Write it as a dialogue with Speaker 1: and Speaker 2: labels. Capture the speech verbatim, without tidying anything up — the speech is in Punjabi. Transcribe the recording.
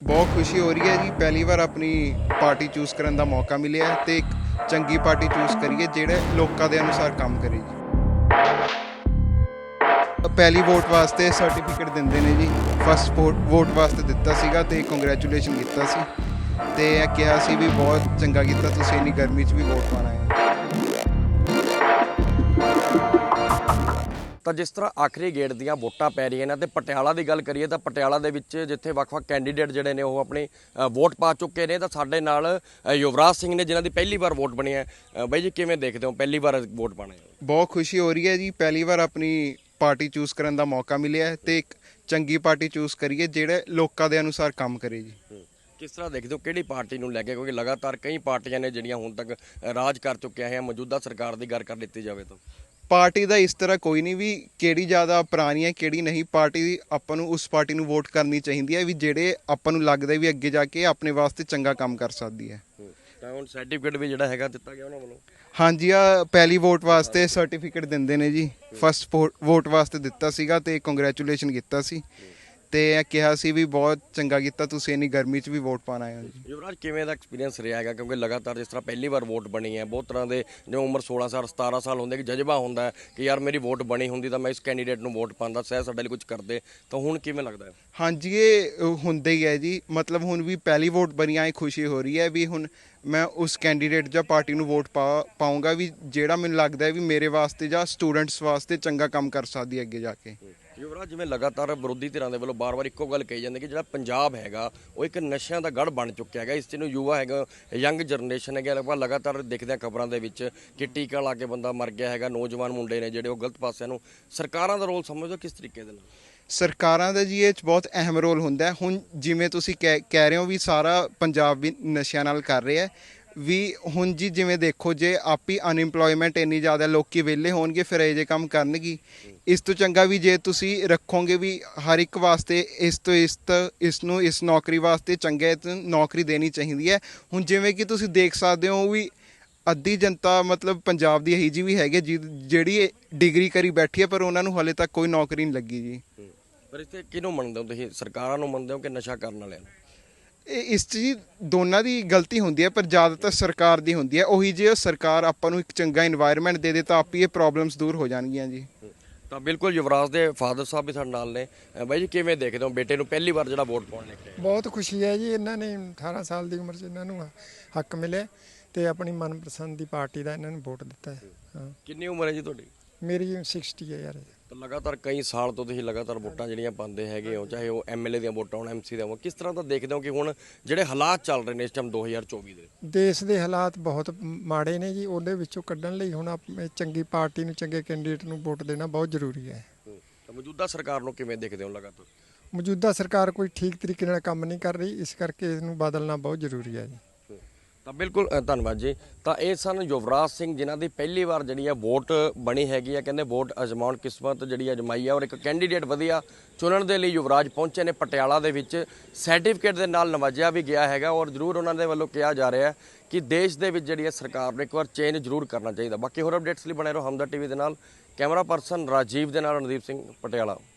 Speaker 1: बहुत खुशी हो रही है जी। पहली बार अपनी पार्टी चूज़ करने का मौका मिले तो एक चंगी पार्टी चूज़ करिए ਜਿਹੜੇ ਲੋਕਾਂ ਦੇ ਅਨੁਸਾਰ ਕੰਮ ਕਰੇ ਜੀ। ਪਹਿਲੀ ਵੋਟ ਵਾਸਤੇ ਸਰਟੀਫਿਕੇਟ ਦਿੰਦੇ ਨੇ ਜੀ। ਫਸਟ ਵੋਟ ਵਾਸਤੇ ਦਿੱਤਾ ਸੀਗਾ ਤੇ ਕੰਗ੍ਰੈਚੁਲੇਸ਼ਨ ਕੀਤਾ ਸੀ ਤੇ ਇਹ ਕਿਹਾ ਸੀ ਵੀ ਬਹੁਤ ਚੰਗਾ ਕੀਤਾ ਤੁਸੀਂ ਇੰਨੀ ਗਰਮੀ 'ਚ ਵੀ ਵੋਟ ਪਾਣਾ ਹੈ।
Speaker 2: ਤਾਂ ਜਿਸ ਤਰ੍ਹਾਂ ਆਖਰੀ ਗੇੜ ਦੀਆਂ ਵੋਟਾਂ ਪੈ ਰਹੀਆਂ ਨੇ ਤੇ ਪਟਿਆਲਾ ਦੀ ਗੱਲ ਕਰੀਏ ਤਾਂ ਪਟਿਆਲਾ ਦੇ ਵਿੱਚ ਜਿੱਥੇ ਵੱਖ-ਵੱਖ ਕੈਂਡੀਡੇਟ ਜਿਹੜੇ ਨੇ ਉਹ ਆਪਣੀ ਵੋਟ ਪਾ ਚੁੱਕੇ ਨੇ ਤਾਂ ਸਾਡੇ ਨਾਲ ਯੁਵਰਾਜ ਸਿੰਘ ਨੇ ਜਿਨ੍ਹਾਂ ਦੀ ਪਹਿਲੀ ਵਾਰ ਵੋਟ ਬਣੀ ਹੈ। ਬਾਈ ਜੀ ਕਿਵੇਂ ਦੇਖਦੇ ਹੋ ਪਹਿਲੀ ਵਾਰ ਵੋਟ ਪਾਣਾ?
Speaker 1: ਬਹੁਤ ਖੁਸ਼ੀ ਹੋ ਰਹੀ ਹੈ ਜੀ। ਪਹਿਲੀ ਵਾਰ ਆਪਣੀ ਪਾਰਟੀ ਚੂਜ਼ ਕਰਨ ਦਾ ਮੌਕਾ ਮਿਲਿਆ ਤੇ ਇੱਕ ਚੰਗੀ ਪਾਰਟੀ ਚੂਜ਼ ਕਰੀਏ ਜਿਹੜੇ ਲੋਕਾਂ ਦੇ ਅਨੁਸਾਰ ਕੰਮ ਕਰੇ ਜੀ।
Speaker 2: ਕਿਸ ਤਰ੍ਹਾਂ ਦੇਖਦੇ ਹੋ ਕਿਹੜੀ ਪਾਰਟੀ ਨੂੰ ਲੈ ਕੇ, ਕਿਉਂਕਿ ਲਗਾਤਾਰ ਕਈ ਪਾਰਟੀਆਂ ਨੇ ਜਿਹੜੀਆਂ ਹੁਣ ਤੱਕ ਰਾਜ ਕਰ ਚੁੱਕੀਆਂ ਹੈ, ਮੌਜੂਦਾ ਸਰਕਾਰ ਦੀ ਗੱਲ ਕਰ ਲਿੱਤੀ ਜਾਵੇ ਤਾਂ
Speaker 1: ਪਾਰਟੀ ਦਾ ਇਸ ਤਰ੍ਹਾਂ ਕੋਈ ਨਹੀਂ ਵੀ ਕਿਹੜੀ ਜ਼ਿਆਦਾ ਪੁਰਾਣੀ ਹੈ ਕਿਹੜੀ ਨਹੀਂ। ਪਾਰਟੀ ਆਪਾਂ ਨੂੰ ਉਸ ਪਾਰਟੀ ਨੂੰ ਵੋਟ ਕਰਨੀ ਚਾਹੀਦੀ ਹੈ ਵੀ ਜਿਹੜੇ ਆਪਾਂ ਨੂੰ ਲੱਗਦਾ ਵੀ ਅੱਗੇ ਜਾ ਕੇ ਆਪਣੇ ਵਾਸਤੇ ਚੰਗਾ ਕੰਮ ਕਰ ਸਕਦੀ ਹੈ।
Speaker 2: ਤਾਂ ਹੁਣ ਸਰਟੀਫਿਕੇਟ ਵੀ ਜਿਹੜਾ ਹੈਗਾ ਦਿੱਤਾ ਗਿਆ ਉਹਨਾਂ ਵੱਲੋਂ?
Speaker 1: ਹਾਂਜੀ, ਆ ਪਹਿਲੀ ਵੋਟ ਵਾਸਤੇ ਸਰਟੀਫਿਕੇਟ ਦਿੰਦੇ ਨੇ ਜੀ। ਫਸਟ ਵੋਟ ਵਾਸਤੇ ਦਿੱਤਾ ਸੀਗਾ ਤੇ ਕੰਗ੍ਰੈਚੁਲੇਸ਼ਨ ਕੀਤਾ ਸੀ ਤੇ ਇਹ ਕਿਹਾ ਸੀ ਵੀ ਬਹੁਤ ਚੰਗਾ ਕੀਤਾ ਤੁਸੀਂ ਇੰਨੀ ਗਰਮੀ 'ਚ ਵੀ ਵੋਟ ਪਾਉਣ ਆਏ ਹੋ ਜੀ।
Speaker 2: ਯੁਵਰਾਜ ਕਿਵੇਂ ਦਾ ਐਕਸਪੀਰੀਅੰਸ ਰਿਹਾ ਹੈਗਾ, ਕਿਉਂਕਿ ਲਗਾਤਾਰ ਜਿਸ ਤਰ੍ਹਾਂ ਪਹਿਲੀ ਵਾਰ ਵੋਟ ਬਣੀ ਹੈ, ਬਹੁਤ ਤਰ੍ਹਾਂ ਦੇ ਜਿਵੇਂ ਉਮਰ ਸੋਲਾਂ ਸਾਲ ਸਤਾਰਾਂ ਸਾਲ ਹੁੰਦੇ ਕਿ ਜਜ਼ਬਾ ਹੁੰਦਾ ਕਿ ਯਾਰ ਮੇਰੀ ਵੋਟ ਬਣੀ ਹੁੰਦੀ ਤਾਂ ਮੈਂ ਇਸ ਕੈਂਡੀਡੇਟ ਨੂੰ ਵੋਟ ਪਾਉਂਦਾ, ਸਹਿ ਸਾਡੇ ਲਈ ਕੁਝ ਕਰਦੇ, ਤਾਂ ਹੁਣ ਕਿਵੇਂ ਲੱਗਦਾ ਹੈ?
Speaker 1: ਹਾਂਜੀ, ਇਹ ਹੁੰਦਾ ਹੀ ਹੈ ਜੀ। ਮਤਲਬ ਹੁਣ ਵੀ ਪਹਿਲੀ ਵੋਟ ਬਣੀ ਆਏ ਖੁਸ਼ੀ ਹੋ ਰਹੀ ਹੈ ਵੀ ਹੁਣ ਮੈਂ ਉਸ ਕੈਂਡੀਡੇਟ ਜਾਂ ਪਾਰਟੀ ਨੂੰ ਵੋਟ ਪਾ ਪਾਊਂਗਾ ਵੀ ਜਿਹੜਾ ਮੈਨੂੰ ਲੱਗਦਾ ਹੈ ਵੀ ਮੇਰੇ ਵਾਸਤੇ ਜਾਂ ਸਟੂਡੈਂਟਸ ਵਾਸਤੇ ਚੰਗਾ ਕੰਮ ਕਰ ਸਕਦੀ ਹੈ ਅੱਗੇ ਜਾ ਕੇ।
Speaker 2: ਯੁਵਰਾਜ ਜਿਵੇਂ ਲਗਾਤਾਰ ਵਿਰੋਧੀ ਧਿਰਾਂ ਦੇ ਵੱਲੋਂ ਬਾਰ-ਬਾਰ ਇੱਕੋ ਗੱਲ ਕਹੀ ਜਾਂਦੀ ਕਿ ਜਿਹੜਾ ਪੰਜਾਬ ਹੈਗਾ ਉਹ ਇੱਕ ਨਸ਼ਿਆਂ ਦਾ ਗੜ੍ਹ ਬਣ ਚੁੱਕਿਆ ਹੈਗਾ, ਇਸ 'ਚ ਨੂੰ ਯੁਵਾ ਹੈਗਾ, ਯੰਗ ਜਨਰੇਸ਼ਨ ਹੈਗਾ, ਆਪਾਂ ਲਗਾਤਾਰ ਦੇਖਦੇ ਹਾਂ ਖਬਰਾਂ ਦੇ ਵਿੱਚ ਕਿ ਟੀਕਾ ਲਾ ਕੇ ਬੰਦਾ ਮਰ ਗਿਆ ਹੈਗਾ, ਨੌਜਵਾਨ ਮੁੰਡੇ ਨੇ ਜਿਹੜੇ ਉਹ ਗਲਤ ਪਾਸਿਆਂ ਨੂੰ। ਸਰਕਾਰਾਂ ਦਾ ਰੋਲ ਸਮਝੋ ਕਿਸ ਤਰੀਕੇ ਦੇ ਨਾਲ?
Speaker 1: ਸਰਕਾਰਾਂ ਦਾ ਜੀ ਇਹ 'ਚ ਬਹੁਤ ਅਹਿਮ ਰੋਲ ਹੁੰਦਾ। ਹੁਣ ਜਿਵੇਂ ਤੁਸੀਂ ਕਹਿ ਕਹਿ ਰਹੇ ਹੋ ਵੀ ਸਾਰਾ ਪੰਜਾਬ ਵੀ ਨਸ਼ਿਆਂ ਨਾਲ ਕਰ ਰਿਹਾ ਹੈ ਵੀ ਹੁਣ ਜੀ ਜਿਵੇਂ ਦੇਖੋ ਜੇ ਆਪ ਹੀ ਅਨਇੰਪਲੋਇਮੈਂਟ ਇੰਨੀ ਜ਼ਿਆਦਾ ਲੋਕੀ ਵਿਹਲੇ ਹੋਣਗੇ ਫਿਰ ਇਹ ਜਿਹੇ ਕੰਮ ਕਰਨਗੇ। ਇਸ ਤੋਂ ਚੰਗਾ ਵੀ ਜੇ ਤੁਸੀਂ ਰੱਖੋਗੇ ਵੀ ਹਰ ਇੱਕ ਵਾਸਤੇ ਇਸ ਤੋਂ ਇਸ ਇਸ ਨੂੰ ਇਸ ਨੌਕਰੀ ਵਾਸਤੇ ਚੰਗੇ ਨੌਕਰੀ ਦੇਣੀ ਚਾਹੀਦੀ ਹੈ। ਹੁਣ ਜਿਵੇਂ ਕਿ ਤੁਸੀਂ ਦੇਖ ਸਕਦੇ ਹੋ ਵੀ ਅੱਧੀ ਜਨਤਾ ਮਤਲਬ ਪੰਜਾਬ ਦੀ ਇਹੀ ਜਿਹੀ ਵੀ ਹੈਗੀ ਜਿਹੜੀ ਡਿਗਰੀ ਕਰੀ ਬੈਠੀ ਹੈ ਪਰ ਉਹਨਾਂ ਨੂੰ ਹਾਲੇ ਤੱਕ ਕੋਈ ਨੌਕਰੀ ਨਹੀਂ ਲੱਗੀ ਜੀ।
Speaker 2: ਪਰ ਇੱਥੇ ਕਿਹਨੂੰ ਮੰਨਦੇ ਹੋ ਤੁਸੀਂ, ਸਰਕਾਰਾਂ ਨੂੰ ਮੰਨਦੇ ਹੋ ਕਿ ਨਸ਼ਾ ਕਰਨ ਵਾਲਿਆਂ ਨੂੰ?
Speaker 1: ਇਹ ਇਸ 'ਚ ਜੀ ਦੋਨਾਂ ਦੀ ਗਲਤੀ ਹੁੰਦੀ ਹੈ ਪਰ ਜ਼ਿਆਦਾਤਰ ਸਰਕਾਰ ਦੀ ਹੁੰਦੀ ਹੈ। ਉਹੀ ਜੇ ਸਰਕਾਰ ਆਪਾਂ ਨੂੰ ਇੱਕ ਚੰਗਾ ਇਨਵਾਇਰਨਮੈਂਟ ਦੇ ਦੇ ਤਾਂ ਆਪ ਹੀ ਇਹ ਪ੍ਰੋਬਲਮਸ ਦੂਰ ਹੋ ਜਾਣਗੀਆਂ ਜੀ।
Speaker 2: ਤਾਂ ਬਿਲਕੁਲ ਯੁਵਰਾਜ ਦੇ ਫਾਦਰ ਸਾਹਿਬ ਵੀ ਸਾਡੇ ਨਾਲ ਨੇ। ਬਾਈ ਜੀ ਕਿਵੇਂ ਦੇਖਦੇ ਹੋ ਬੇਟੇ ਨੂੰ ਪਹਿਲੀ ਵਾਰ ਜਿਹੜਾ ਵੋਟ ਪਾਉਣ ਲੈ ਕੇ?
Speaker 3: ਬਹੁਤ ਖੁਸ਼ੀ ਹੈ ਜੀ। ਇਹਨਾਂ ਨੇ ਅਠਾਰਾਂ ਸਾਲ ਦੀ ਉਮਰ 'ਚ ਇਹਨਾਂ ਨੂੰ ਹੱਕ ਮਿਲਿਆ ਤੇ ਆਪਣੀ ਮਨਪਸੰਦ ਦੀ ਪਾਰਟੀ ਦਾ ਇਹਨਾਂ ਨੂੰ ਵੋਟ ਦਿੱਤਾ ਹੈ। ਹਾਂ,
Speaker 2: ਕਿੰਨੀ ਉਮਰ ਹੈ ਜੀ ਤੁਹਾਡੀ?
Speaker 3: ਮੇਰੀ ਸਾਠ ਹੈ ਯਾਰ।
Speaker 2: ਤਾਂ ਲਗਾਤਾਰ ਕਈ ਸਾਲ ਤੋਂ ਤੁਸੀਂ ਲਗਾਤਾਰ ਵੋਟਾਂ ਜਿਹੜੀਆਂ ਪਾਉਂਦੇ ਹੈਗੇ ਹੋ, ਚਾਹੇ ਉਹ ਐਮਐਲਏ ਦੀਆਂ ਵੋਟਾਂ ਹੋਣ, ਐਮਸੀ ਦੀਆਂ ਹੋਣ, ਕਿਸ ਤਰ੍ਹਾਂ ਦਾ ਦੇਖਦੇ ਹੋ ਕਿ ਹੁਣ ਜਿਹੜੇ ਹਾਲਾਤ ਚੱਲ ਰਹੇ ਨੇ ਇਸ ਟਾਈਮ ਦੋ ਹਜ਼ਾਰ ਚੌਵੀ ਦੇ?
Speaker 3: ਦੇਸ਼ ਦੇ ਹਾਲਾਤ ਬਹੁਤ ਮਾੜੇ ਨੇ ਜੀ। ਉਹਦੇ ਵਿੱਚੋਂ ਕੱਢਣ ਲਈ ਹੁਣ ਆਪਣੇ ਚੰਗੀ ਪਾਰਟੀ ਨੂੰ, ਚੰਗੇ ਕੈਂਡੀਡੇਟ ਨੂੰ ਵੋਟ ਦੇਣਾ ਬਹੁਤ ਜ਼ਰੂਰੀ ਹੈ।
Speaker 2: ਤਾਂ ਮੌਜੂਦਾ ਸਰਕਾਰ ਨੂੰ ਕਿਵੇਂ ਦੇਖਦੇ ਹੋ? ਲਗਾਤਾਰ
Speaker 3: ਮੌਜੂਦਾ ਸਰਕਾਰ ਕੋਈ ਠੀਕ ਤਰੀਕੇ ਨਾਲ ਕੰਮ ਨਹੀਂ ਕਰ ਰਹੀ, ਇਸ ਕਰਕੇ ਇਸ ਨੂੰ ਬਦਲਣਾ ਬਹੁਤ ਜ਼ਰੂਰੀ ਹੈ ਜੀ।
Speaker 2: ਤਾਂ ਬਿਲਕੁਲ ਧੰਨਵਾਦ ਜੀ। ਤਾਂ ਇਹ ਸਨ ਯੁਵਰਾਜ ਸਿੰਘ ਜਿਨ੍ਹਾਂ ਦੀ ਪਹਿਲੀ ਵਾਰ ਜਿਹੜੀ ਹੈ ਵੋਟ ਬਣੀ ਹੈਗੀ ਆ। ਕਹਿੰਦੇ ਵੋਟ ਅਜ਼ਮਾਉਣ, ਕਿਸਮਤ ਜਿਹੜੀ ਅਜਮਾਈ ਆ ਔਰ ਇੱਕ ਕੈਂਡੀਡੇਟ ਵਧੀਆ ਚੁਣਨ ਦੇ ਲਈ ਯੁਵਰਾਜ ਪਹੁੰਚੇ ਨੇ ਪਟਿਆਲਾ ਦੇ ਵਿੱਚ। ਸਰਟੀਫਿਕੇਟ ਦੇ ਨਾਲ ਨਵਾਜਿਆ ਵੀ ਗਿਆ ਹੈਗਾ ਔਰ ਜ਼ਰੂਰ ਉਹਨਾਂ ਦੇ ਵੱਲੋਂ ਕਿਹਾ ਜਾ ਰਿਹਾ ਕਿ ਦੇਸ਼ ਦੇ ਵਿੱਚ ਜਿਹੜੀ ਹੈ ਸਰਕਾਰ ਨੂੰ ਇੱਕ ਵਾਰ ਚੇਂਜ ਜ਼ਰੂਰ ਕਰਨਾ ਚਾਹੀਦਾ। ਬਾਕੀ ਹੋਰ ਅਪਡੇਟਸ ਲਈ ਬਣੇ ਰਹੋ ਹਮਦਰ ਟੀਵੀ ਦੇ ਨਾਲ। ਕੈਮਰਾ ਪਰਸਨ ਰਾਜੀਵ ਦੇ ਨਾਲ ਰਣਦੀਪ ਸਿੰਘ, ਪਟਿਆਲਾ।